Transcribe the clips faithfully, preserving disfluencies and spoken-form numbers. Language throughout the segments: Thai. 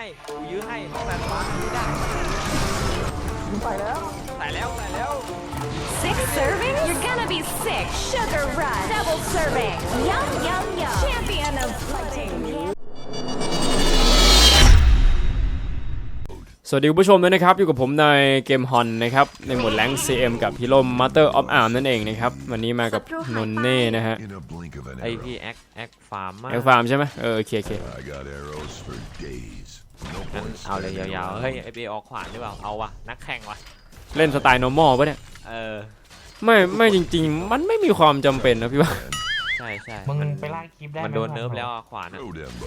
กูยื้อให้ต้องการฟ้าไม่ได้ใส่แล้วใส่แล้วใส่แล้ว Six serving? You're gonna be sick. Sugar rush. Double serving. Yum, yum, yum. Champion of flooding. สวัสดีผู้ชมด้วยนะครับอยู่กับผมในเกมฮอนนะครับในหมวดแรงค์ ซี เอ็ม กับฮีโร่ Master of Arms นั่นเองนะครับวันนี้มากับนนเน่นะฮะไอพี่แอคแอคฟาร์มมากแอคฟาร์มใช่ไหมเออโอเคโอเคงั้นเอาเลยยาวๆเฮ้ยไอเบออกขวานหรือเปล่าเอาวะนักแข่งวะเล่นสไตล์ normal ป่ะเนี่ยเออไม่ไม่จริงๆมันไม่มีความจำเป็นนะพี่ว่าใช่ใช่มึงไปลากคลิปได้มันโดนเนิร์ฟแล้วขวานอ่ะ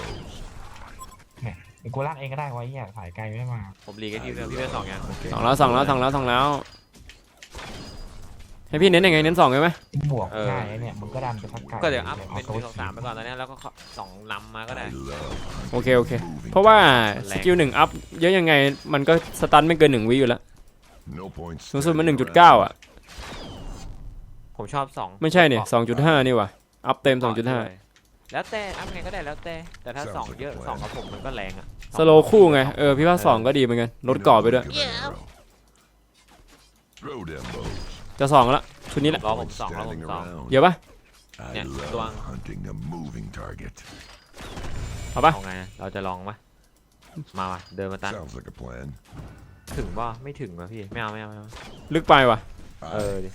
กูลากเองก็ได้วะเนี่ยสายไกลไม่มาผมรีกันที่เดิมพี่เป็นสองยังสองแล้วสองแล้วสองแล้วสองแล้วให้พี่เน้นยังไงเน้นสองใช่ไหมบวกง่ายเนี่ยมึงก็ดันไปทักไกลก็เดี๋ยวอัพเป็นสองสามไปก่อนตอนนี้แล้วก็สองนำมาก็ได้โอเคโอเคเพราะว่าสกิลหนึ่งอัพเยอะยังไงมันก็สตันไม่เกินหนึ่งวิอยู่แล้วสูงสุดมันหนึ่งจุดเก้าอ่ะผมชอบสองไม่ใช่เนี่ยสองจุดห้านี่ว่ะอัพเต็มสองจุดห้าแล้วแต่อัพไงก็ได้แล้วแต่แต่ถ้าสองเยอะสองกับผมมันก็แรงอ่ะสโลคู่ไงเออพี่ว่าสองก็ดีเหมือนกันลดก่อไปด้วยจะสองละชุดนี้แหละรอผมสองรอผมสองเยอะปะเนี่ยตัวเอาปะเอาไงเราจะลองปะมาว่ะเดินมาตั้งถึงป่ะไม่ถึงว่ะพี่ไม่เอาไม่เอาไม่เอาลึกไปว่ะเออดิ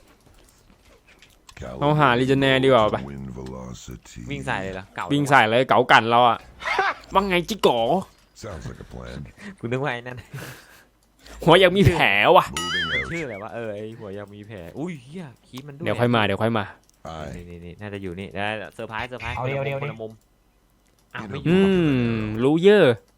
เราหาลีเจเนร์ดีกว่าปะวิ่งใส่เลยเหรอเก่าวิ่งใส่เลยเก๋ากันเราอ่ะว่าไงจิโก้กูนึกว่าไอ้นั่นหัวยังมีแผลว่ะชื่ออะไรวะเออไอ้หัวยังมีแผลอุ้ยเฮียคีบมันด้วยเดี๋ยวค่อยมาเดี๋ยวค่อยมานี่นี่นี่น่าจะอยู่นี่ได้เซอร์ไพรส์เซอร์ไพรส์เอาเดียวเดียวคนดิละมุมอ้าวไม่ออืยู่มรู้เยอะ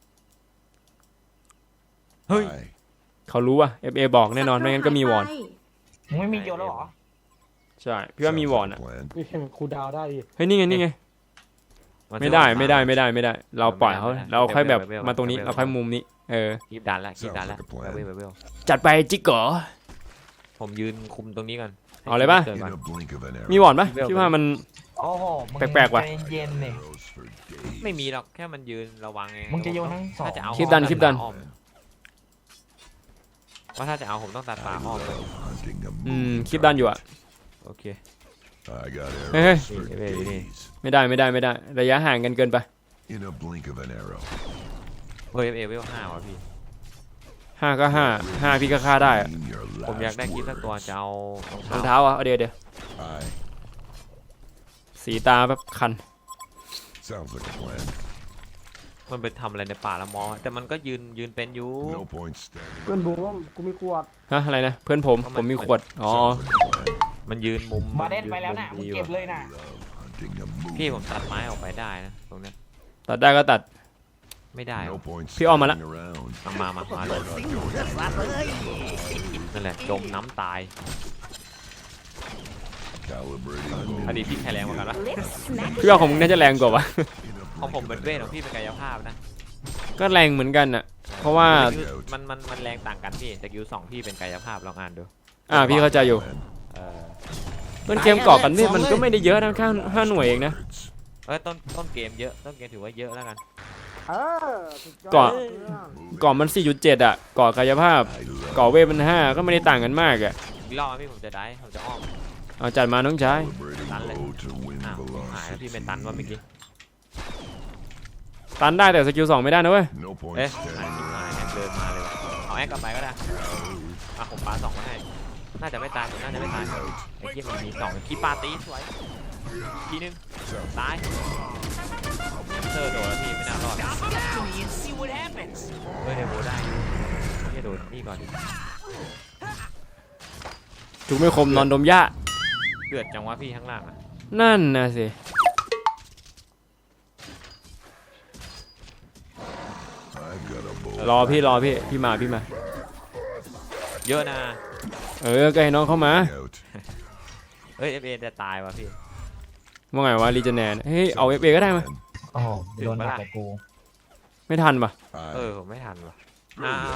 เฮ้ยเขารู้ว่ะ เอฟ เอ บอกแน่นอนไม่งั้นก็มีวอนมึงไม่มีโยนแล้วหรอใช่พี่ว่ามีวอนอ่ะนี่ครูดาวได้ดิเฮ้ยนี่ไงนี่ไงไม่ได้ไม่ได้ไม่ได้ไม่ได้ เราปล่อยเขาเราค่อยแบบมาตรงนี้เราค่อยมุมนี้เออคีบดันละคีบดันละเวลเวลเวลจัดไปจิโก้ผมยืนคุมตรงนี้ก่อนเอาเลยปะกิดก่อนมีวอนปะพี่ว่ามันโอ้โหมึงแปลกๆว่ะใจเย็นๆเนี่ยไม่มีหรอกแค่มันยืนระวังไงมึงจะโยนทั้งสองถ้าจะเอาคลิปดันคลิปดันอ้อมว่าถ้าจะเอาผมต้องตัดป่าอ้อมเลยอืมคลิปดันอยู่อ่ะโอเคเฮ้ยเฮ้ยนี่เว้ยนี่ไม่ได้ไม่ได้ไม่ได้ระยะห่างกันเกินไปเฮ้ยเอเวลห้าวะพี่ห้าก็ห้าห้าพี่ก็ฆ่าได้อะผมอยากได้คลิปสักตัวจะเอารองเท้าอ่ะเอาเดี๋ยวเดี๋ยวสีตาแบบคันมันไปทำอะไรในป่าละมอแต่มันก็ยืนยืนเป็นอยู่เพื่อนบูมกูมีขวดฮะอะไรนะเพื่อนผมผมมีขวดอ๋อมันยืนมุมมาเด่นยืไปแล้วนะมุมึงดีเก็บว่ะเลยนะพี่ผมตัดไม้ออกไปได้นะตรงเนี้ยตัดได้ก็ตัดไม่ได้ว่ะพี่อ้อมมาละมามามามาเลยนั่นแหละจมน้ำตายอดีตพี่ใครแรงกว่ากันวะ Lips smack. พี่ว่าของมึงน่าจะแรงกว่าวะของผมเป็นเวทของพี่เป็นกายภาพนะก็แรงเหมือนกันอ่ะเพราะว่ามันมันมันแรงต่างกันพี่แต่กิวสองพี่เป็นกายภาพลองอ่านดูอ่าพี่เข้าใจอยู่เออต้นเกมก่อกันนี่มันก็ไม่ได้เยอะนะแค่ห้าหน่วยเองนะเอ้ยต้นต้นเกมเยอะต้นเกมถือว่าเยอะแล้วกันเออสุดยอดก่อนเพื่อนก่อมัน สี่จุดเจ็ด อ่ะก่อกายภาพก่อเวทมันห้าก็ไม่ได้ต่างกันมากอ่ะอีกรอบพี่ผมจะได้ผมจะอ้อมเอาจัดมาน้องชายตันเลยอ้าวหายแล้วพี่เป็นตันว่าเมื่อกี้ตันได้แต่สกิลสองไม่ได้นะเว้ยเอ๊ะหายหายแอคเดินมาเลยว่ะเอาแอคกลับไปก็ได้อ่ะผมปาสองมาให้น่าจะไม่ตายผมน่าจะไม่ตายไอ้เหี้ยมันมีสองคีปาตีสวยทีนึงตายเธอโดนแล้วพี่ไม่น่ารอดเฮ้ยเดี๋ยวโบได้เฮียโดนนี่ก่อนดิจุกไม่คมนอนดมหญ้าเดือดจังวะพี่ข้างล่างอ่ะนั่นนะสิรอพี่รอพี่พี่มาพี่มาเยอะนะเออก็ให้น้องเข้ามาเอ้ยเอฟเอจะตายวะพี่ว่าไงวะรีเจเนร์เฮ้ยเอาเอฟเอก็ได้มาโอ้โหโดนหนักแต่กูไม่ทันปะเออผมไม่ทันวะอ้าว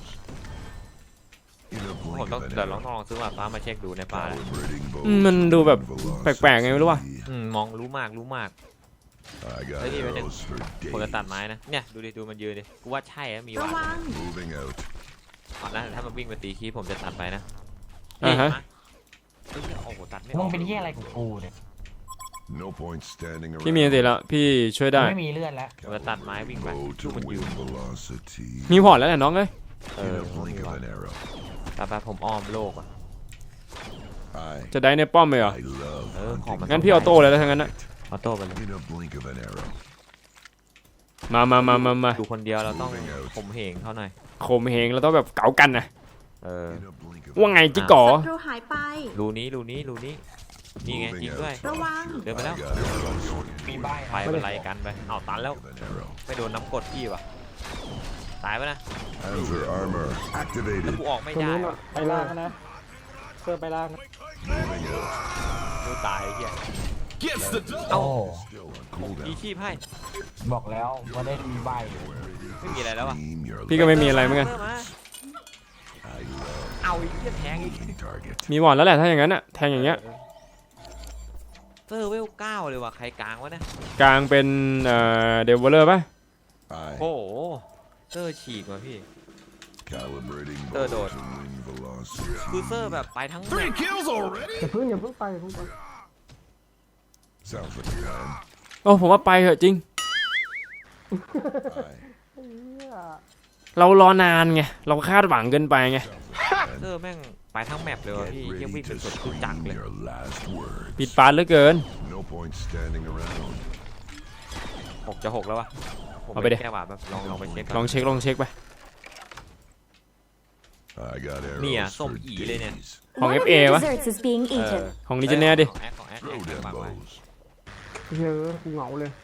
ผมต้องเดี๋ยวลองลองซื้อมาฟ้ามาเช็คดูในป่าอืมมันดูแบบแปลกๆไงไม่รู้ว่ะอืมมองรู้มากรู้มาก I got Hey, hey, arrows for ผมจะตัด days. ไม้นะเนี่ยดูดิดูมันยืนดิกูว่าใช่นะมีหระวานวัง Moving out. เอานะถ้ามันวิ่งมาตีคีผมจะตัดไปนะอ่าฮะมาเฮ้ยโอ้โหตัดไม่อมึอง กเป็นที่อะไรของกูเนี่ย No point standing พี่มีอันติ around. แล้วพี่ช่วยได้ไม่มีเลือดแล้วผมจะตัดไม้วิ่งไป Go ลู to กมันยืน wind velocity. มีพอร์ตแล้วแหละน้องเอ้ยเอ In อ a blink of an arrow. แต่ไปผมอ้อมโลกอ่ะ I จะได้ในป้อมเลยเหรอ I love เออของมัน hunting. งั้นพี่เอาโต้เลยแล้วทั้งนั้นนะเอาโต้ไปเลย In a blink of an arrow. มามามามามาดูคนเดียวเราต้องผมเหงเขาหน่อยโคมเหงเราต้องแบบเก๋ากันนะเออ In a blink of ว่าไงจิก๋อศัตรูหายไปรูนี้รูนี้รูนี้นี่ไงจริงด้วยระวังเดินไปแล้ว I got arrows มีใบไปเป็นไรกันไปเอาตันแล้ว of an arrow. ไม่โดนน้ำกรดพี่ว่ะตายปะนะ Panzer armor แล้ว activated. กูออกไม่ตรงได้นู้นว่ะอะไปล่างนะเสื้อไปล่างนะ Moving out. กูตายไอ้เหี้ยโอ้ Still on cooldown. มีชีพให้บอกแล้วว่าได้มีใบไม่มีอะไรแล้วว่ะ Scream your พี่ก็ไม่มีอะไรเหมือนกันเพิ่มา I love เอาไอ้เหี้ยแทงอีก moving target. มีวอร์ดแล้วแหละถ้าอย่างนั้นอะแทงอย่างเงี้ยเซอร์เวลเก้าเลยว่ะใครกลางวะเนี่ยกลางเป็นเอ่อเดวอลเลอร์ป่ะ I โอ้โหเซอร์ฉีกว่ะพี่ calibrating Third bow order. to wind velocity. คือเซอร์แบบไปทั้งแมปอย่าเพิ่งอย่าเพิ่งไปอย่าเพิ่งไป Sounds like a plan. โอ้ผมว่าไปเถอะจริง I เนี่ยเรารอนานไงเราคาดหวังเกินไปไงเซอร์แม่งไปทั้งแมปเลยว่ะ get พี่ยัง ready วิ่งเป็น to สดคือจักร scream เลย your last words. ปิดปานเหลือเกิน No point standing around. หกจะหกแล้ววะผมเอาไปดิแก้หวาดแบบลองลองไปเช็คก่ลออน งเช็คลองเช็คไป I got Nia, arrows som for iเลยเนี่ย days. ของ One of F A your วะ desserts is being เออ eaten. ของลิเจเนียดิของแอคของแอคแอ Throw ค them ฝากไว้ bows. เฮ้ยกูเหงาเลย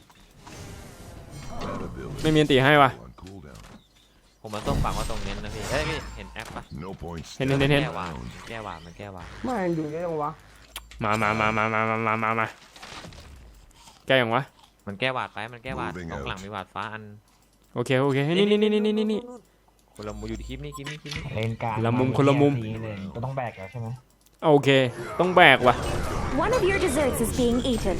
That ability ไม่มีอันตีให้วะ on cooldown. ผมมาต้มฝังว่าตรงเน้นนะพี่เอ้ยพี่เห็นแอปปะ No point เห็นเห็น standing เห็นแก้หวาด around. แก้หวาดมันแก้หวาดไม่งอยู่เยอะจังวะมามามามามามามามามาแกอย่างวะมันแก้หวาดไปมันแก้หวาด Moving ตรง out หลังมีหวาดฟ้าอันโอเคโอเคนี่นี่นี่นี่นี่นี่คนละมุมอยู่ที่คลิปนี้คลิปนี้คลิปนี้เลนกลางละมุมคนละมุมสีเลยก็ต้องแบกแล้วใช่ไหมโอเค ต้องแบกว่ะ One of your desserts is being eaten.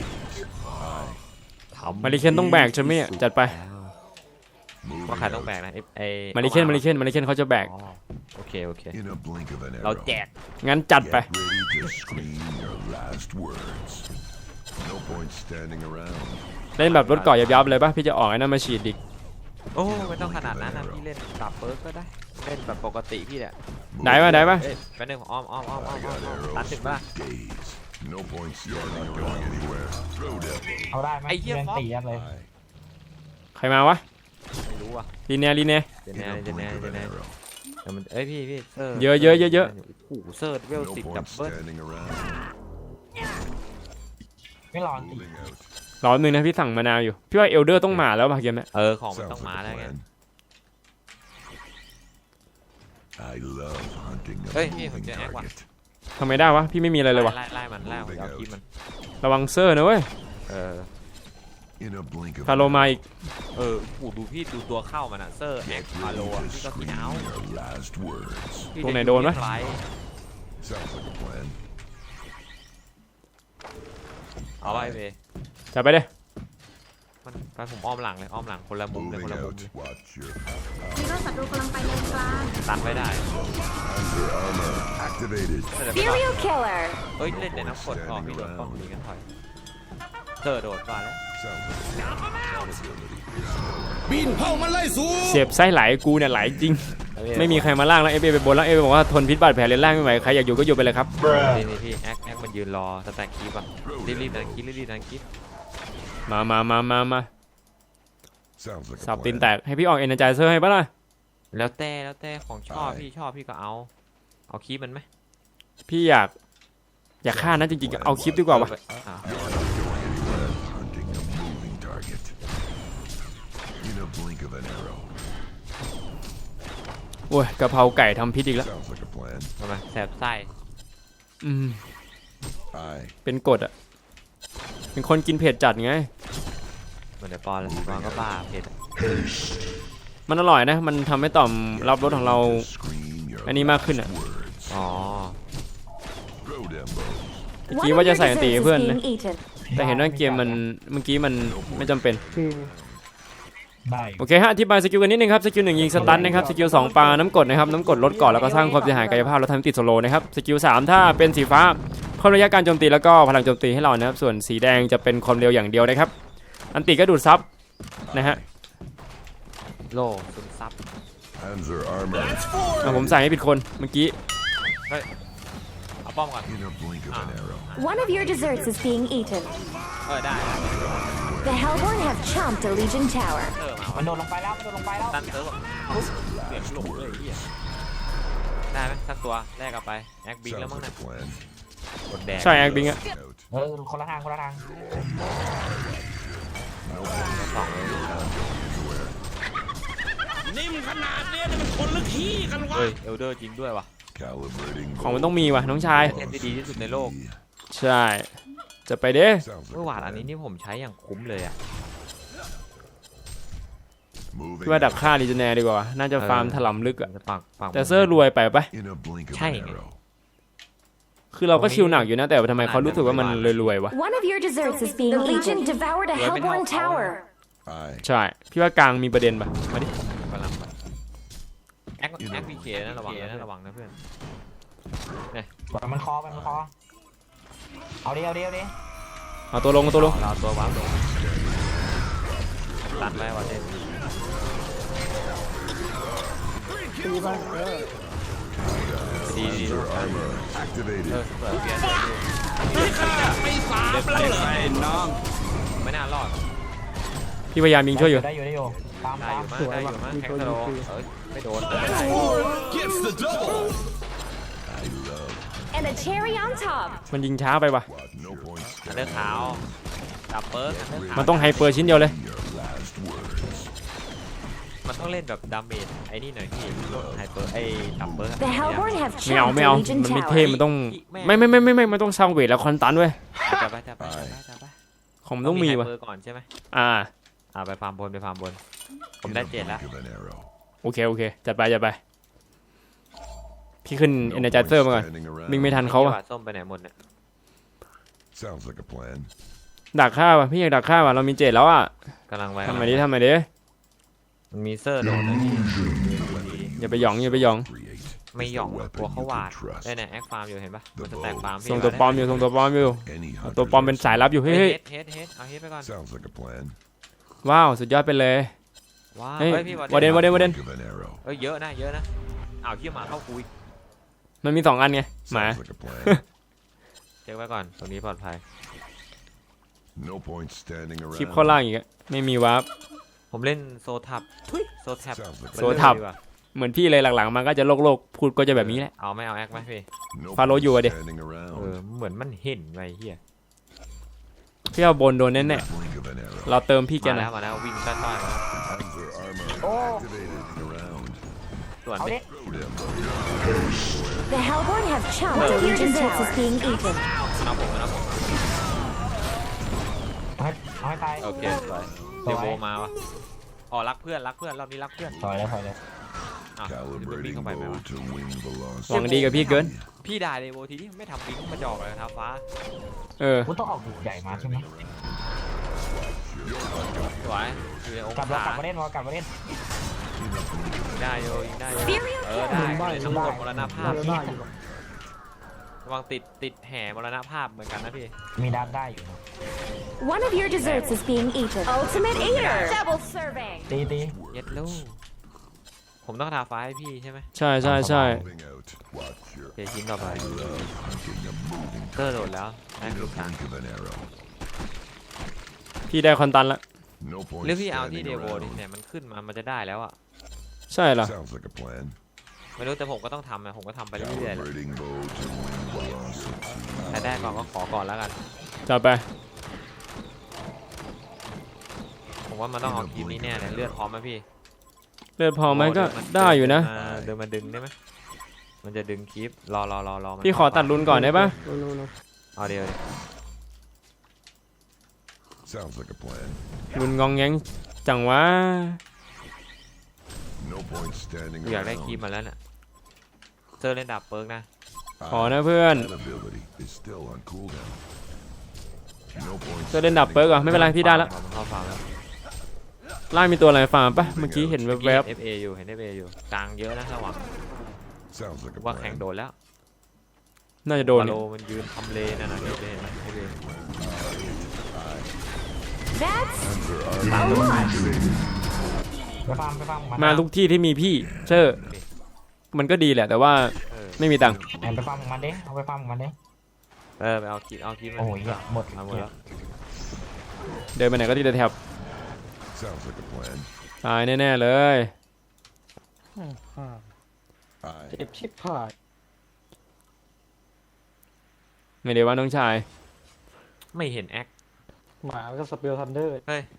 มาริเคนต้องแบกใช่ไหมอะจัดไปว่าใครต้องแบกนะไอ้ไอ้มาริเคนมาริเคนมาริเคนเขาจะแบกอ๋อโอเคโอเค In a blink of an เรา arrow. แจกงั้นจัดไป Get ready to scream your last words. No point standing around. เล่นแบบรถเก่อยับๆเลยป่ะพี่จะออกไอ้นั่นมาฉีดอีกโอ้ไม่ต้องขนาดนั้นนะพี่เล่นปรับเปิร์กก็ได้เล่นแบบปกติพี่แหละได้ป่ะได้ป่ะเอ้ยแป๊บนึงอ้อมอ้อมอ้อมอ้อม I อ้อม got อ้อมตัด arrows ถึง for ป่ะ days. No point standing around anywhere. Throw them. เอาได้ไหมไอ้เหี้ยเล่นฟอกตียัดเลย I ใครมาวะไม่รู้อ่ะลีเนียลีเนียเดี๋ยว in แน่ a เดี๋ยวแน่ blink of เดี๋ยว an แน่ arrow. แต่มันเอ้ยพี่พี่เซอร์เยอะเยอะเยอะเยอะโอ้โหเซอร์เวล No สิบดับ point เบิ้ล standing around. ไม่รอตี Moving out. รอหนึ่งนะพี่สั่งมะนาวอยู่พี่ว่าเอลเดอร์ต้องมาแล้วป่ะเกมเนี้ยเออของมันต้อง Sounds มา like แล้ว a ไง plan. I love hunting a Ê, moving hình như ác quá. target. ทำไมได้วะพี่ไม่มีอะไรเลยวะไล่ไล่มันไล่มันเอาคีบมันระวังเซอร์นะเว้ยเออ In a blink of พาโล an มา arrow. อีกเออโอ้โหดูพี่ดูตัวเข้ามันอะเซอร์แอ Get คพาโล ready อะ to พี่ก็กิน scream เอา your last words. พี่ตรงไหนโดนวะไล Sounds like a plan. เอาไปเบจัดไปเด้มันไปผมอ้อมหลังเลยอ้อมหลังคนละมุมเลยค Moving นละมุม out. เลย Watch your มีรถศัตรูกำลังไปเลนกลางตันไว้ได้ Panzer armor activated. เดี๋ยวไปก่อน Serial killer. เอ้ยเล่นในน้ำกดออกพี่โดนป้องนี้กันถอยเซอร์โดดก่อนแล้ว Sounds like a plan. Ability. เสียบไส้ไหลกูเนี่ยไหลจริง ไม่มีใครมาล่างแล้วเอฟเอไปบนแล้วเอฟบอกว่าทนพิษบาดแผลเลนล่างไม่ไหวใครอยากอยู่ก็อยู่ไปเลยครับนี่นี่พี่แอคแอคมันยืนรอสแต็กคีบอะรีบรีบดันคีบรีบรีบดันคีบมามามามามา Sounds like สั a บตีน plan. แตกให้พี่ออกเอเนจายเซอร์ให้ปะล่ะแล้วแต่แล้วแต่ของชอบไปพี่ชอบพี่ก็เอาเอาคีบมันไหมพี่อยากอยากฆ่านะจริงๆเอาคลิปดีกว่าวะอ่ะ Hunting a moving target. In a blink of an arrow. โอ้ยกะเพราไก่ทำพิษอีกแล้ว Sounds like a plan. ทำไมแสบไส้อืม I เป็นกฎอ่ะเป็นคนกินเผ็ดจัดไงเหมือนเดี๋ยวปอนแล้วปอนก็บ้าเผ็ดอะมันอร่อยนะ มันทำให้ต่อมรับรสของเรา scream your อันนี้มากขึ้นอ่ะ words. อ๋อ Throw them bows. เมื่อ One กี้ of ว่า your จะใส่อัน desserts ตี is เพื่อนนะ being eaten. แต่เห็นว่าเกมมันเมื่อกี้มันไม่จำเป็นจริงได้โอเคฮะอธิบายสกิลกันนิดนึงครับสกิลหนึ่งยิงสตันนะครับสกิลสองปาน้ำกรดนะครับน้ำกรดลดก่อนแล้วก็สร้างความเสียหายกายภาพแล้วทำให้ติดโซโลนะครับสกิลสามถ้าเป็นสีฟ้าเพิ่มระยะการโจมตีแล้วก็พลังโจมตีให้เรานะครับส่วนสีแดงจะเป็นความเร็วอย่างเดียวนะครับอันติก็ดูดซับนะฮะโลซึมซับ Panzer armor. อ่ะผมใส่ให้ผิดคนเมื่อกี้เอาป้อมก่อน In a blink of an arrow. One of your desserts is being eaten. เออได้ The Hellborn have chomped a Legion tower. เออมามันโดนลงไปแล้วมันโดนลงไปแล้วตันเซิร์ฟแบบปุ๊บเปลี่ยนหลบเลยเฮียได้ไหมสักตัวแรกเอาไปแอคบิงแล้ว Sounds มั้ง like นะ a plan. กดแดงใช่แอคบิงอะ Out. เออคนละทางคนละทางสองเลยเฮ้ยเอลเดอร์จริงด้วยว่ะ Calibrating. ของมันต้องมีว่ะน้องชายเทนที่ดีที่สุดในโลกใช่จะไปเด้ Sounds เมื่อ like วาน a อันนี้ plan. นี่ผมใช้อย่างคุ้มเลยอ่ะ Moving พี่ว่าดัก out. ฆ่าลีเจเนร์ดีกว่าน่าจะฟาร์มถล่มลึกอะจะปักปักแต่เซอร์รวยไปปะ In a blink of Chang. an arrow. คือเราก็ชิลหนักอยู่นะแต่ทำไมเขารู้สึกว่ามันรวยๆวะ One of your desserts is being eaten. The Legion devoured a Hellborn tower. Aye. ใช่พี่ว่ากลางมีประเด็นปะมาดิกำลังไปแอคแอคพีเคนะระวังนะระวังนะเพื่อนปล่อยมันคอไปมันคอเอาดิเอาดิเอาดิเอาตัวลงเอาตัวลงเราตัววาร์ปลงตัดไว้วันเด่นตีไปเออดีดี Panzer armor เอ activated. อเปิดเปลี่ยนไม่สามแล้วเหรอน้องไม่น่ารอดพี่พยายามยิงช่วยอยู่ได้อยู่ได้อยู่ตามได้ตามอยู่มั้งได้อยู่มั้งแทงสโลเอ้ยไม่โดนไม่ได้ I love And a cherry on top. มันยิงช้าไปปะ what no point อันเดอร์ขาวดับเบิร์กอันเดอร์ขาวมันต้องไฮเปอร์ชิ้นเดียวเลย your last words. มันต้องเล่นแบบดาเมจไอ้นี่หน่อยพี่ลดไฮเปอร์ไอ้ดับเบิร์ก The Hellborn have ไม่เอา chomped ไม่ a เอา Legion มันไม่ tower. เท่มันต้องไม่ไม่ไม่ไม่ไม่มันต้องสร้างเวทแล้วคอนตันเว้ยจะไปจะไปจะไปจะไปของมันต้องมีวะไฮเปอร์ก่อนใช่ไหมอ่าอ่าไปฟาร์มบนไปฟาร์มบน ผม In ได้ a เจ็ดแล้ว blink of an arrow. โอเคโอเคจัดไปจัดไปพี่ขึ้นเอเนจเซอร์มาก่อน standing around. วิ่งไม่ทันเขาอะจังหวะส้มไปไหนหมดเนี่ย Sounds like a plan. ดักฆ่าว่ะพี่อยากดักฆ่าว่ะเรามีเจ็ดแล้วอ่ะกำลังไว้ทำไมดิทำไมดิมันมีเซอร์โดนนะพี่อย่าไปหยองอย่าไปหยอง Create. ไม่หย่องกลัวเขาหวาดได้เนี่ยแอคฟาร์มอยู่เห็นปะมันจะแตกฟาร์มพี่ส่งตัวปลอมอยู่ส่งตัวปลอมอยู่ Any เอา hunter ตัวปลอมเป็นสายลับอยู่เฮ้เฮ้ยยเฮดเฮดเฮดเอาเฮดไปก่อน Sounds like a plan. ว้าวสุดยอดไปเลยว้าวเฮ้ยเฮ้ยพี่วอร์เดนวอร์เดนวอร์เดน Blink of an arrow. เอ้ยเยอะนะเยอะนะอ้าวเขี้ยหมาเข้าคุยมันมีสองอันไงหมา Sounds like a plan. เช็คไว้ก่อนตรงนี้ปลอดภัย No point standing คลิป around. ข้อล่างอีกอะไม่มีวาร์ปผมเล่นโซทับทุยโซแท็บ Sounds like โซทับดีกว่าเหมือนพี่เลยหลังๆมันก็จะโลกโลกพูดก็จะแบบนี้แหละเอาไม่เอาแอคไหมพี่ no Follow point you อะดิ standing เอ around. อเหมือนมันเห็นไว้เฮียพี่เอาบนโดน In แน่ a blink of an arrow. ๆเราเติมพี่แกมาหนะแล้วมาแล้ววิ่งต้อยๆมาแล้ว Panzer armor activated around. ส่วนเอาไปดิ The Hellborn have chomped a Legion tower. Is being eaten. เอาผมนะผมเอาให้เอาให้ตายโอเคสวยเดโวมาวะอ๋อรักเพื่อนรักเพื่อนรอบนี้รักเพื่อนถอยเลยถอยเลยอ้าวจะวิ่ง Calibrating เข้าไปไหม bow วะ to wing หวัง velocity. ดีกับพี่เกินพี่ด่าเดโวทีนี้ไม่ทำวิ่งมาจอกเลยครับฟ้าเออคุณต้องออกดูใหญ่มาใช่ไหมสวยอยู่ในองกลับแล้วศากลับมาเล่นวะกลับมาเล่นได้โยยิงได้โย Serial เออ kill. ได้ได้เลยต้องกดมรณภาพได้ได้อยู่ระวังติดติดแห่มรณภาพเหมือนกันนะพี่มีดันได้อยู่นะ One of your desserts is being eaten. Ultimate eater. Double serving. ตีตีเย็ดลูกผมต้องทาฟ้าให้พี่ใช่ไหมใช่ใช่ใช่ Moving out. Watch your เจชิ้นต่อไป love hunting a moving เตอร์โดดแล้วได้ in ลู a กค้า blink of an arrow. พี่ได้คอนตันละ No ห point รือพี่เอาที่ standing เดโวดิ around. เนี่ยมันขึ้นมามันจะได้แล้วอ่ะใช่เหรอ Sounds like a plan. ไม่รู้แต่ผมก็ต้องทำนะผมก็ทำไปเรื่อยๆแหละ Calibrating bow to wing velocity. แต่ได้ก่อนก็ขอก่อนแล้วกันจัดไปผมว่ามันต้องเอาคลิปนี้แน่เลยเลือดพร้อมไหมพี่เลือดพอไหมก็ได้อยู่นะเดินมาดึงได้ไหมมันจะดึงคลิปรอรอรอรอมันพี่ขอตัดรุนก่อนได้ปะโน่นโน่นโน่นเอาเดียวดิ Sounds like a plan. รุนงองแงงจังวะ No point standing กูอยากได้ around. คลิปมาแล้วน่ะเซอร์เล่นดับเปิร์กนะขอนะเพื่อน That ability is still on cooldown. No point จะเล่นดับเปิร์กเหรอไม่เป็นไรพี่ได้แล้วผมเข้าฟาร์มแล้วล่างมีตัวอะไรฟาร์มปะเมื่อกี้เห็นแวบเอฟเออยู่เห็นเอฟเออยู่กลางเยอะนะระวัง sounds like a ว่าแข่ง plan. โดนแล้วๆน่าจะโดนวาโลมันยืนทำเลนั่นน่ะเอฟเอเอฟเอ That's Panzer a armor lot. activated. ไปฟาร์มไปฟาร์มมาทุกที่ที่มีพี่เชอร์มันก็ดีแหละ แต่ว่าเออไม่มีตังค์แอนไปฟาร์มของมันดิเอาไปฟาร์มของมันดิเออไปเอาคิดเอาคิดมาโอ้ยเหี้ยหมดเอาหมดแล้วเดินไปไหนก็ที่จะแถบ Sounds like a plan. ตายแน่ๆเลยอืมอ่า Aye. เจ็บชิบหายไม่ได้ว่าน้องชายไม่เห็นแอคหมาแล้วก็สเปลทันเดอร์เฮ้ย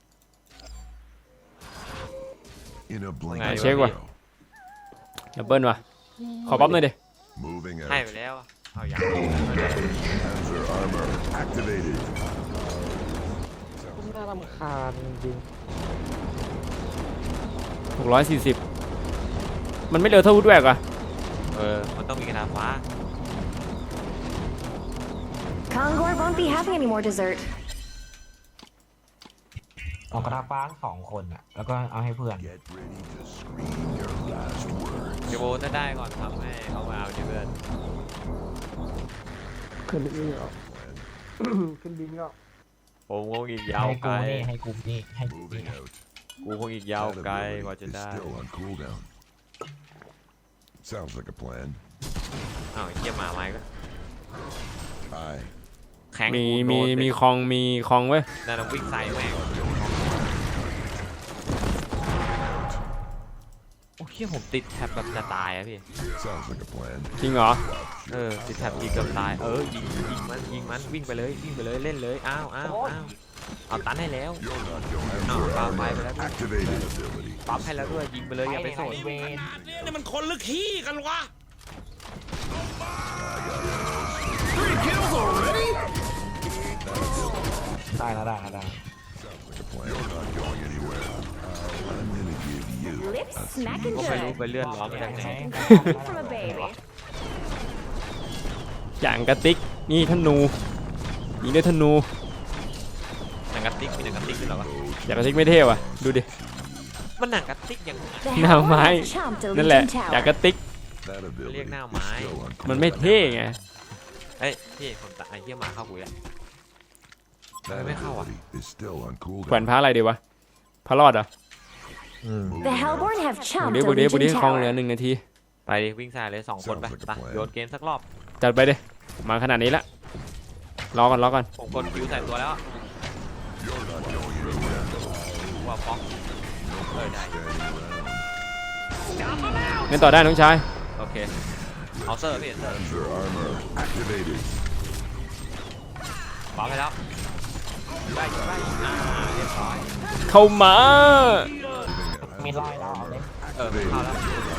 In a blink Ngay of check an qua. arrow. ดับเบิลว่ะขอปั๊บหน่อยดิ Moving ให้ out. ไปแล้วอะเอาอย่าง Panzer armor activated. น่ารำคาญจริงหกร้อยสี่สิบมันไม่เร็วเท่าวูดแวกอ่ะเออมันต้องมีกระดาษฟ้า Kongor won't be having any more dessert. เอากระทาฟ้าสองคนอ่ะแล้วก็เอาให้เพื่อน Get ready to scream your last words. เดี๋ยวโบถ้าได้ก่อนทำให้เอามาเอาดิเพื่อนๆขึ้นบินก็ ขึ้นบินก็ผมคงอีกยาวให้ไกกูลนี่ให้กูนี่ให้กู Moving นี่ out. กูคงอีกยาว That ไกลกว่า ability จะ is ได้ still on cooldown. Sounds like a plan. อ้าวไอ้เหี้ยหมาไม้ก็ Aye. แข็งมีกูโดมีนมีเต็คลองมีคลองเว้ยนั่นนะวิ่งใส่แม่งโอ้เหี้ยผมติดแท็บแบบจะตายอะพี่ Sounds like a plan. จริงเหรอเออติดแท็บยิงเกือบตายเออยิงยิงมันยิงมันวิ่งไปเลยวิ่งไปเลยเล่นเลยอ้าวอ้าวอ้าวเอาตันให้แล้ว You're not going No, Panzer bye, armor bye, bye, bye. activated ability. ปั๊มให้แล้วด้วยยิงไปเลยอย่าไปสนเวนนี่มันคนหรือขี้กันวะได้แล้วได้แล้วได้ Sounds like a plan. You're not going anywhere. I'm gonna give you Lips a smacking ก็ไม่รู้ good. ไปเลื่อนล้อมาจากไหน From a baby. อย่างกระติกนี่ธนูยิงด้วยธนูหนังกระติกมีหนังกระติกด้วยเหรอวะอย่างกระติกไม่เท่ว่ะดูดิมันหนังกระติกยังไง The หน้า Hellborn ไม้ have chomped a นั่นแหละ Legion อย่าง tower. กระติก that ability Liếc nào is mãi. still on มันไม่ cooldown. เท่ไงเฮ้ยพี่ผมตัดไอ้เหี้ยหมาเข้ากูแล้ว That Mày khao à? ability is still on แขวน cooldown. พระอะไรดีวะพระรอดเหรอ Moving The out. Hellborn have บุ chomped ดี a บุดีบุดี Legion คลองเหลือ tower. หนึ่งนาทีไปดิวิ่งใส่เลยสองคนไป Sounds like a ไป plan. โยนเกมสักรอบจัดไปดิมาขนาดนี้ละรอก่อนรอก่อนผมกดคิวใส่ตัวแล้วอะ You're not going anywhere. ว่าป๊อกเออได้ Standing around. เล่นต่อได้น้องชายโอเคเอาเซอร์พี่เซอร์ Panzer armor activated. ปั๊มให้แล้วได้อยู่ได้อยู่อ่าเรียบร้อยเข้ามามีรอยแล้วเอาเลยเออเข้าแล้ว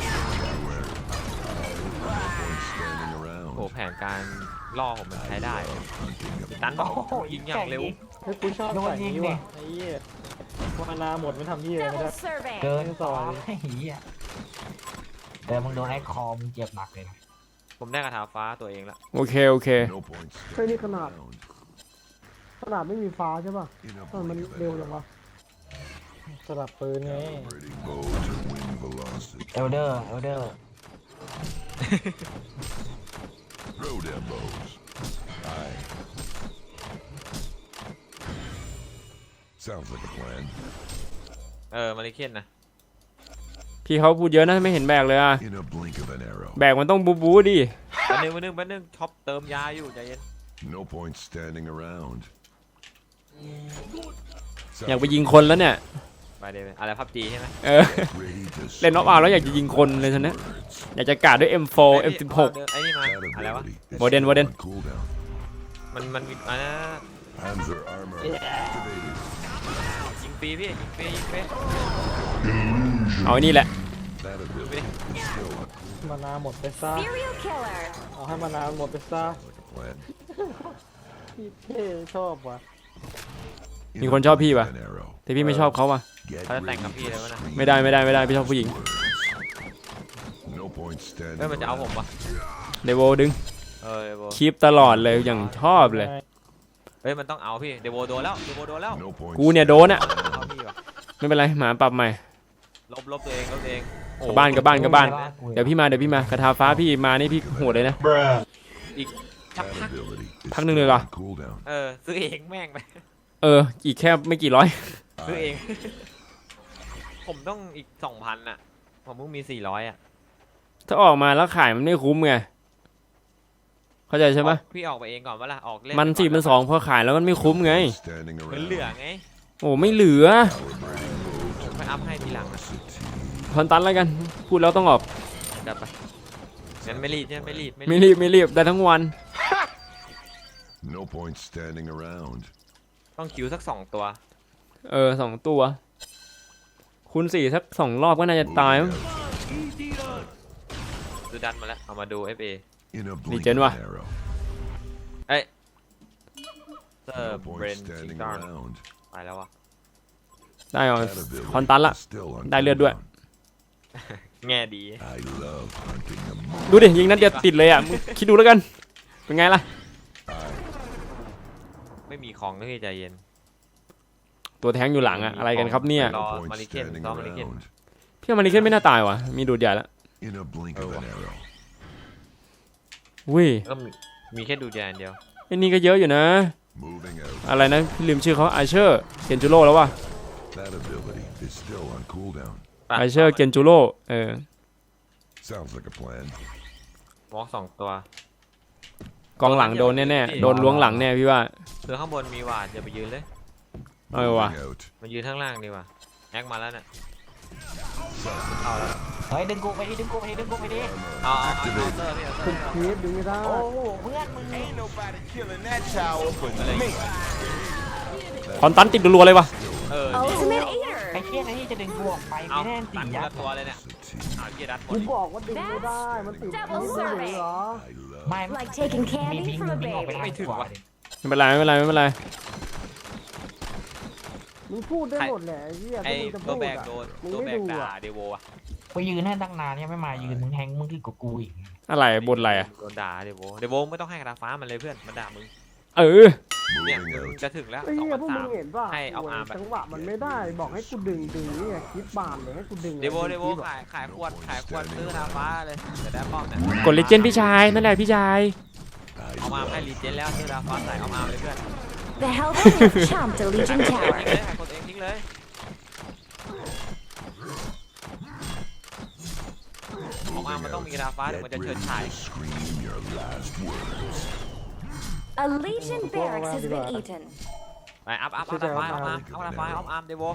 Standing โอ้ around. แผนการล่อผมมันใช้ได้ Hunting a ตันบอกยิงอย่างเร็วเฮ้ยกูชอบใส่นี้ว่ะไอ้เหี้ยมานาหมดไม่ทำเหี้ยไม่ได้ Double serving. เกินสองไอ้เหี้ยแต่มึงโดนไอ้คอมึงเจ็บหนักเลยนะผมได้กระถาฟ้าตัวเองละโอเคโอเค No point เฮ้ยนี่ standing ขนาด around. ขนาดไม่มีฟ้าใช่ป่ะ In a ทำไมมัน blink of เร็ว an จัง eye. วะสลับปืนไง Ready bow to win velocity. เอลเดอร์เอลเดอร์ Throw them bows. Aye. Sounds like a plan. เออมาริเคนนะพี่เขาพูดเยอะนะไม่เห็นแบกเลยอ่ะ In a blink of an arrow. แบกมันต้องบูบูดิแป๊บนึงแป๊บนึงแป๊บนึงช็อปเติมยาอยู่ใจเย็น No point standing around. อยากไปยิงคนแล้วเนี่ยไปเดี๋ยวอะไรพับจีใช่ไหมเออ Ready to เล่นน็อกเอาท์แล้วอยากจะยิงคนเลยฉันนะ words. อยากจะกาดด้วย เอ็ม โฟร์ เอ็ม สิบหกไอ้นี่มา That อะไรวะ ability is Warden, still Warden. on cooldown. มันมันมีอันนั้น Panzer armor activated. ยิงฟรีพี่ยิงฟรียิงฟรีเอาไอ้นี่แหละ That ability is still on มานาหมดไปซะ Serial killer. เอาให้มานาหมดไปซะ like a plan. พี่เท่ชอบว่ะ In มี a คนชอบพี่ blink ปะ of an arrow. แต่พี่ไม่ชอบเขาว่ะ Get เขาจะแต่ง ready กับพี่ to เลยวะนะ scream ไม่ได้ไม่ได้ไม่ได้พี่ชอบผู้หญิง words. No point standing เฮ้ยมันจะเอาผม around. ปะเดโวดึงเออเดี๋ยวคลิปตลอดเลยอย่างชอบเลยเฮ้ยมันต้องเอาพี่เดโวโดนแล้วเดโวโดนแล้ว No point กูเนี่ยโดนอ่ะเอาพี่วะไม่เป็นไรหมาปรับใหม่ลบลบตัวเองลบตัวเองโอ้กลับบ้านกลับบ้านกลับบ้านกูเดี๋ยวพี่มาเดี๋ยวพี่มากระทาฟ้าพี่มานี่พี่โหดเลยนะชัก That พัก ability is Thằng đừng still được à? on cooldown. เออซื้อเองแม่งไปเอออีกแค่ไม่กี่ร้อยซื้อเอง ผมต้องอีกสองพันอ่ะผมเพิ่งมีสี่ร้อยอ่ะถ้าออกมาแล้วขายมันไม่คุ้มไงเข้าใจใช่ไหมพี่ออกไปเองก่อนวะล่ะออกเล่นมันสี่มันสองพอขายแล้วมันไม่คุ้มไง Standing เหมือน around. เหลือไงโอ้ไม่เหลือผมไปอัพให้ทีหลังอะคอนตันแล้วกันพูดแล้วต้องออกจับไปงั้นไม่รีบงั้นไม่รีบไม่รีบไม่รีบได้ทั้งวัน No point standing around. ต้องคิวสักสองตัวเออสองตัว คูณสี่สักสองรอบก็น่าจะตายมั้งดูดันมาแล้วเอามาดู เอฟ เอ In a Đi blink trên of qua. an arrow. เอ้ยเซอร์ No เบร point นชิง standing ตัน around. ไปแล้ววะได้เอา That ability คอนตันละ is still on ได้เลือดด้วย cooldown. แง่ดี I love hunting a moon. ดูดิยิงนัดเดียวติดเลยอ่ะมึงคิดดูแล้วกันเป็นไงล่ะไม่มีของก็พี่ใจเย็นตัวแทงอยู่หลังอ่ะอะไรกันครับเนี่ยรอ No point Mariken, standing rọ Mariken. around. พี่ว่ามันนี่ขึ้นไม่น่าตายว่ะมีดูดใหญ่แล้ว In a blink of an arrow. อุ้ยก็มีมีแค่ดูดยานเดียวไอ้นี่ก็เยอะอยู่นะ Moving out. อะไรนะพี่ลืมชื่อเขาไอเชอร์เกนจูโร่แล้วว่ะ That ability is still on cooldown. ไอเชอร์เกนจูโร่เออ Sounds like a plan. วอล์กสองตัวกองหลังโดนแน่ๆโดนล้วงหลังแน่พี่ว่าคือข้างบนมีหวาดอย่าไปยืนเลยเออว่ะ Moving out. มายืนข้างล่างดีกว่าแอคมาแล้วน่ะเอาแล้วเฮ้ยดึงกูไปดิดึงกูไปดิดึงกูไปดิเอาเอาเอาเอาเตอร์พี่เอาเตอร์คลิปดึงไม่ได้โอ้โหเพื่อนมึงคอนตันติดรัวๆเลยว่ะเออ Ultimate ไอ้ Eater. เชี่ยนะที่จะดึงกูออกไปเอาไม่แน่ตีตัดคนอ่ะละตัวเลยเนี่ยเอาเกียร์ดัดหมกูดบอกว่าดึงไม่ได้ มันติด Double ไม่ได้เหรอ I love ไม่ Like taking มี candy พิง from a ดึงออกไป baby. ทางขวาดิไม่เป็นไรไม่เป็นไรไม่เป็นไรมึงพูดได้หมดแหละไอ้เหี้ยไอ้ถ้ามึงจะตัวพูดแบกอ่ะโดนมึงตัวไม่แบกดูด่าอ่ะเดโวอะไปยืนให้ตั้งนานเนี่ยไม่มายืนมึงแทงมึงขึ้นกับกูอีกอะไรบนอะไรอ่ะโดนด่าเดโวเดโวไม่ต้องให้กระดาษฟ้ามันเลยเพื่อนมันด่ามึงเออเนี่ย moving out. จะถึงแล้วไอ้สองเหี้ยพันพวกสามึมงเห็นป่ะให้เอาอาร์มไปจังหวะมันไม่ได้ บอกให้กูดึงดึงนี่ไงคลิปบานเลยให้กูดึงเดโวเดโวคลิปอะขายขายขวดขายขวดซื้อกระดาษฟ้าเลยจะได้ป้อมเนี่ยกดเลเจนด์พี่ชายนั่นแหละพี่ชายเอามาให้รีเจนแล้วซื้อกระดาษฟ้าใส่เอามาเลยเพื่อน The Hellborn have chomped a Legion ทิ้ง tower. เลยขายคนเองทิ้งเลยเอามามันต้องมีกระดาษฟ้าเดี๋ยวมันจะเฉิดฉาย Scream your last words. A Legion barracks has been eaten. ไปอัพอัพอัพกระดาษฟ้าเอามาเอากระดาษฟ้าเอาอาร์มเดโว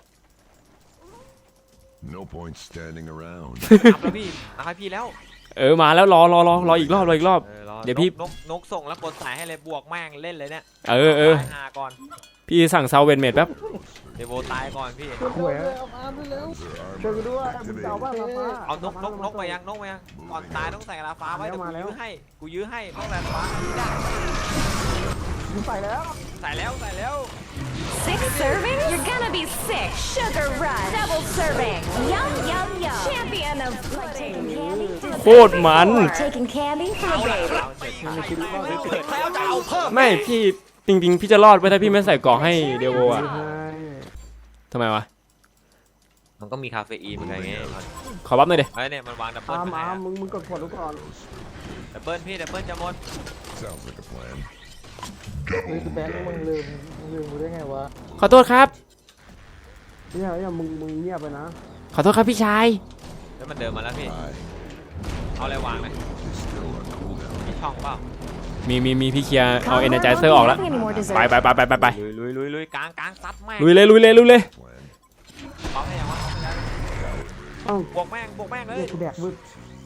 No point standing around. อัพแล้วพี่อัพให้พี่แล้วเออมาแล้วรอรอรอรออีกรอบรออีกรอบออรอเดี๋ยวพี่นกนกส่งแล้วกดสายให้เลยบวกแม่งเล่นเลยเนี่ยเออเออตายหาก่อนพี่สั่งซาวเวนเมดแป๊บเดโวตายก่อนพี่หวยเอาอาร์มด้วยแล้วช่วยกูด้วยมึงจะเอาบ้านมาฟ้าเอานกนกนกมายังนกมายังก่อนตายต้องใส่กระดาษฟ้าไว้เดี๋ยวกูยื้อให้กูยื้อให้ต้องใส่กระดาษฟ้าให้ได้มึงใส่แล้วใส่แล้วใส่แล้ว Six servings? You're gonna be sick. Sugar rush. Double serving. Yum, yum, yum. Champion of like taking candy. โคตรมัน Or taking candy from a baby. เอาเสร็จแล้วจะเอาเพิ่มไม่พี่จริงๆพี่จะรอดไปถ้าพี่ไม่ใส่เกราะให้เดโวอ่ะใช่ทำไมวะมันก็มีคาเฟอีนเหมือนกันไงขอบัฟหน่อยดิไอ้เนี่ยมันวางดับเบิลอาร์มไปไหนอาร์มอะมึงมึงกดกดดูก่อนดับเบิลพี่ดับเบิลจะหมด Sounds like a plan. เฮ้ยคือแบงค์มึงลืมมึงลืมกูได้ไงวะขอโทษครับพี่ชายอย่ามึงมึงเงียบไปนะขอโทษครับพี่ชายแล้วมันเดินมาแล้วพี่ I เอาอะไรวางเลย is still on cooldown. มีช่องเปล่ามีมีมีพี่เคลียร์เอาเอเนจเซอร์ออกแล้ว Having any more ไป dessert? ไปไปไปไปไปลุยลุยลุยลุยกลางกลางซัดแม่งลุยเลยลุยเลยลุยเลย Plan. เอาให้ยังวะเอาให้ยังเอ้าบวกแม่งบวกแม่งเลยเรียกกูแดกวึด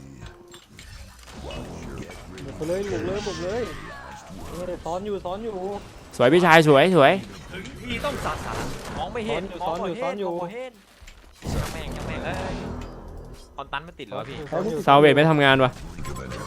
บุกไปเลยบุกเลยบุกเลยเออซ้อนอยู่ซ้อนอยู่สวยพี่ชายสวยสวยถึงที่ต้องสัดสรรมองไม่เห็นมองไม่เห็นมองไม่เห็นจะแม่งจะแม่งเอ้ยคอนตันมันติดเหรอพี่ซาวเวทไม่ทำงานวะ Blink of an arrow.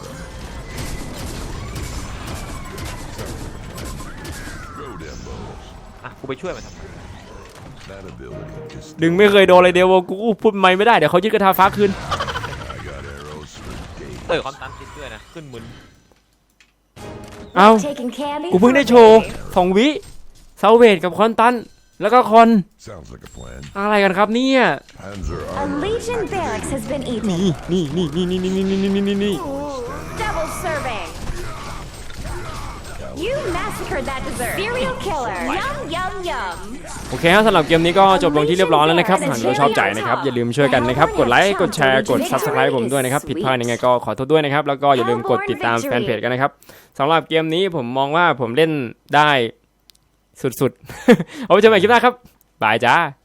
Road ammo. อ่ะกูไปช่วยมันทำไม That ability is ดึงไม่เคยโดนเลยเดโวกูพูดไม่ไม่ได้เดี๋ยวเขายึดกระทาฟ้าคืน I got arrows for days. เออคอนตันติดด้วยนะขึ้นมึนเอ้า Taking candy กูเพิ่ง for ได้ a โชว์ baby. สองวิเซาเวทกับคอนตันแล้วก็คอน Sounds like a plan. อะไรกันครับเนี่ย Panzer A armor Legion barracks has been eaten. นี่นี่นี่นี่นี่นี่นี่นี่นี่นี่ Double serving. You massacred that dessert. Serial killer. Yum yum yum. โอเคครับสำหรับเกมนี้ก็จบลงที่เรียบร้อยแล้วนะครับหากเราชอบใจนะครับอย่าลืมช่วยกันนะครับกดไลค์กดแชร์กด ซับสไครบ์ ผมด้วยนะครับผิดพลาดยังไงก็ขอโทษด้วยนะครับแล้วก็อย่าลืมกดติดตามแฟนเพจกันนะครับสำหรับเกมนี้ผมมองว่าผมเล่นได้สุดๆ เอาไว้เจอกันใหม่คลิปหน้าครับบายจ้า